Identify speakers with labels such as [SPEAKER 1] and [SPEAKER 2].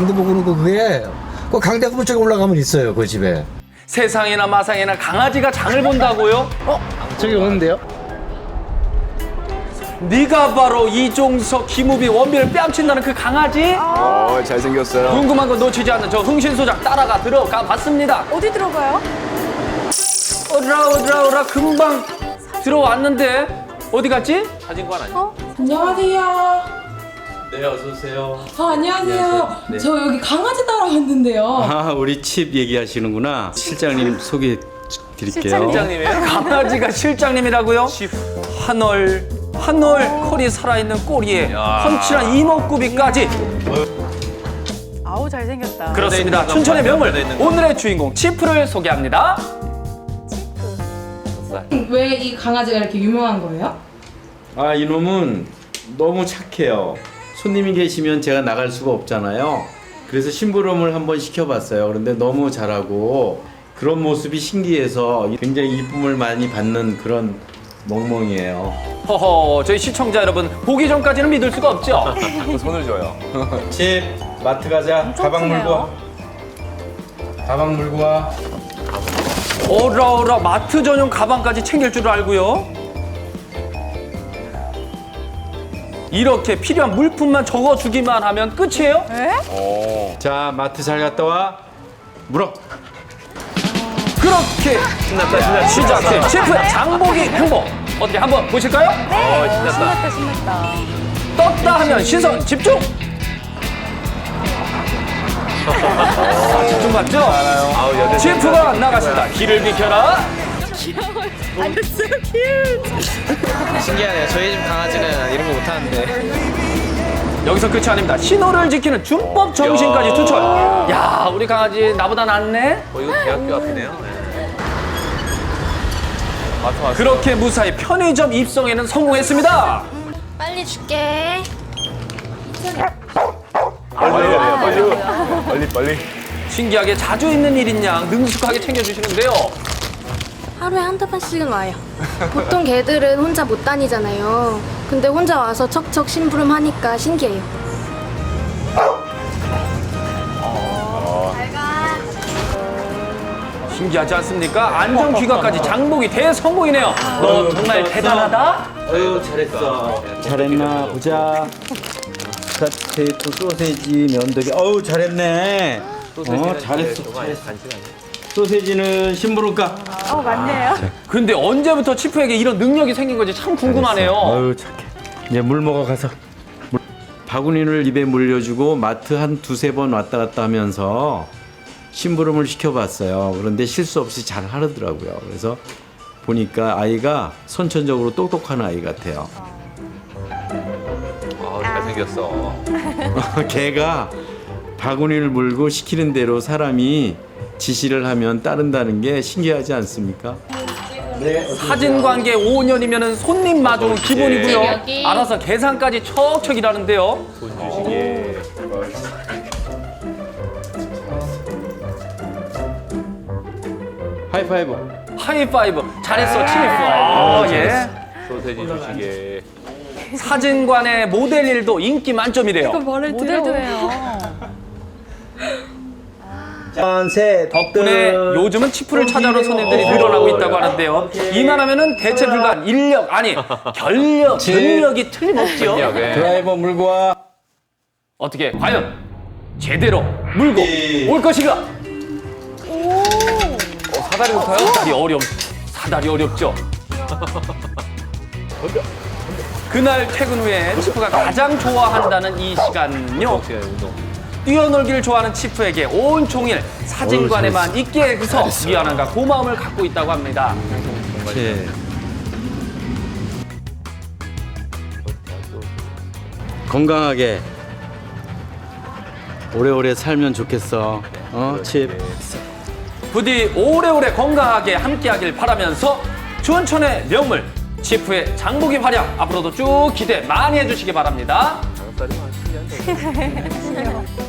[SPEAKER 1] 강대 보고는 그게 그 강대 건물 쪽에 올라가면 있어요, 그 집에.
[SPEAKER 2] 세상에나 마상에나 강아지가 장을 본다고요?
[SPEAKER 3] 저기 오는데요?
[SPEAKER 2] 네가 바로 이종석, 김우빈, 원빈을 뺨친다는 그 강아지?
[SPEAKER 4] 잘생겼어요.
[SPEAKER 2] 궁금한 거 놓치지 않는 저 흥신소장 따라가 들어가 봤습니다.
[SPEAKER 5] 어디 들어가요?
[SPEAKER 2] 오라 금방 들어왔는데 어디 갔지? 사진관 아니야?
[SPEAKER 6] 안녕하세요.
[SPEAKER 7] 네, 어서 오세요.
[SPEAKER 6] 안녕하세요.
[SPEAKER 7] 네.
[SPEAKER 6] 저 여기 강아지 따라왔는데요.
[SPEAKER 7] 아, 우리 칩 얘기하시는구나. 실장님 소개해 드릴게요.
[SPEAKER 2] 실장님이에요? 강아지가 실장님이라고요? 한올 컬이 살아있는 꼬리에 펀치한 이목구비까지.
[SPEAKER 5] 아우 잘생겼다.
[SPEAKER 2] 그렇습니다. 춘천의 명물 오늘의 주인공 치프를 소개합니다.
[SPEAKER 6] 왜 이 강아지가 이렇게 유명한 거예요?
[SPEAKER 7] 아, 이놈은 너무 착해요. 손님이 계시면 제가 나갈 수가 없잖아요. 그래서 심부름을 한번 시켜봤어요. 그런데 너무 잘하고 그런 모습이 신기해서 굉장히 이쁨을 많이 받는 그런 멍멍이에요.
[SPEAKER 2] 허허, 저희 시청자 여러분 보기 전까지는 믿을 수가 없죠?
[SPEAKER 4] 자꾸 손을 줘요.
[SPEAKER 7] 칩, 마트 가자. 가방 물고 와. 가방 물고 와.
[SPEAKER 2] 오라 마트 전용 가방까지 챙길 줄 알고요. 이렇게 필요한 물품만 적어주기만 하면 끝이에요?
[SPEAKER 7] 자, 마트 잘 갔다 와. 물어.
[SPEAKER 2] 그렇게 시작된 치프의 장보기 행복 어떻게 한번 보실까요?
[SPEAKER 5] 신났다.
[SPEAKER 2] 떴다 하면 시선 집중! 집중 맞죠? 치프가 나갔습니다. 길을 비켜라.
[SPEAKER 3] 신기하네요. 저희 집 강아지는 이런 거 못하는데.
[SPEAKER 2] 여기서 끝이 아닙니다. 신호를 지키는 준법 정신까지 투철. 야, 우리 강아지 나보다 낫네?
[SPEAKER 4] 이거 대학교 앞이네요.
[SPEAKER 2] 그렇게 무사히 편의점 입성에는 성공했습니다.
[SPEAKER 8] 빨리 줄게.
[SPEAKER 4] 빨리.
[SPEAKER 2] 신기하게 자주 있는 일인 양 능숙하게 챙겨주시는데요.
[SPEAKER 8] 하루에 한두 번씩은 와요. 보통 개들은 혼자 못 다니잖아요. 근데 혼자 와서 척척 심부름 하니까 신기해요. 잘 가.
[SPEAKER 2] 신기하지 않습니까? 안전귀가까지 장복이 대성공이네요. 너 정말 대단하다?
[SPEAKER 7] 아유, 잘했어. 잘했나 보자. 스테이크, 소세지, 면도기. 어우, 잘했네. 잘했어. 소세지는 심부름가.
[SPEAKER 5] 맞네요.
[SPEAKER 2] 근데 언제부터 치프에게 이런 능력이 생긴 건지 참 궁금하네요.
[SPEAKER 7] 아유, 착해. 이제 물 먹어 가서. 바구니를 입에 물려주고 마트 한 두세 번 왔다 갔다 하면서 심부름을 시켜봤어요. 그런데 실수 없이 잘 하더라고요. 그래서 보니까 아이가 선천적으로 똑똑한 아이 같아요.
[SPEAKER 4] 잘생겼어.
[SPEAKER 7] 개가 바구니를 물고 시키는 대로 사람이 지시를 하면 따른다는 게 신기하지 않습니까?
[SPEAKER 2] 사진 관계 5년이면 손님 마주는 기본이고요.
[SPEAKER 8] 여기.
[SPEAKER 2] 알아서 계산까지 척척 일하는데요.
[SPEAKER 7] 하이파이브.
[SPEAKER 2] 하이파이브. 잘했어, 치프. 아, 예.
[SPEAKER 4] 소세지 주시게.
[SPEAKER 2] 사진관의 모델 일도 인기 만점이래요.
[SPEAKER 5] 모델도 해요.
[SPEAKER 7] 셋.
[SPEAKER 2] 덕분에 요즘은 치프를 찾아오는 손님들이 늘어나고 있다고 하는데요. 이만하면은 대체 불가한 인력, 아니, 견력이 틀림없죠.
[SPEAKER 7] 드라이버 물고 와.
[SPEAKER 2] 어떻게, 과연 제대로 물고 올 것인가?
[SPEAKER 4] 사다리 높아요?
[SPEAKER 2] 사다리 어렵죠. 그날 퇴근 후에 치프가 가장 좋아한다는 이 시간요. 뛰어놀기를 좋아하는 치프에게 온종일 사진관에만 있게 해서 미안함과 고마움을 갖고 있다고 합니다.
[SPEAKER 7] 건강하게 오래오래 살면 좋겠어. 칩.
[SPEAKER 2] 부디 오래오래 건강하게 함께하길 바라면서 춘천의 명물 치프의 장보기 활약 앞으로도 쭉 기대 많이 해주시기 바랍니다.
[SPEAKER 4] 장사리 많이 신기한데.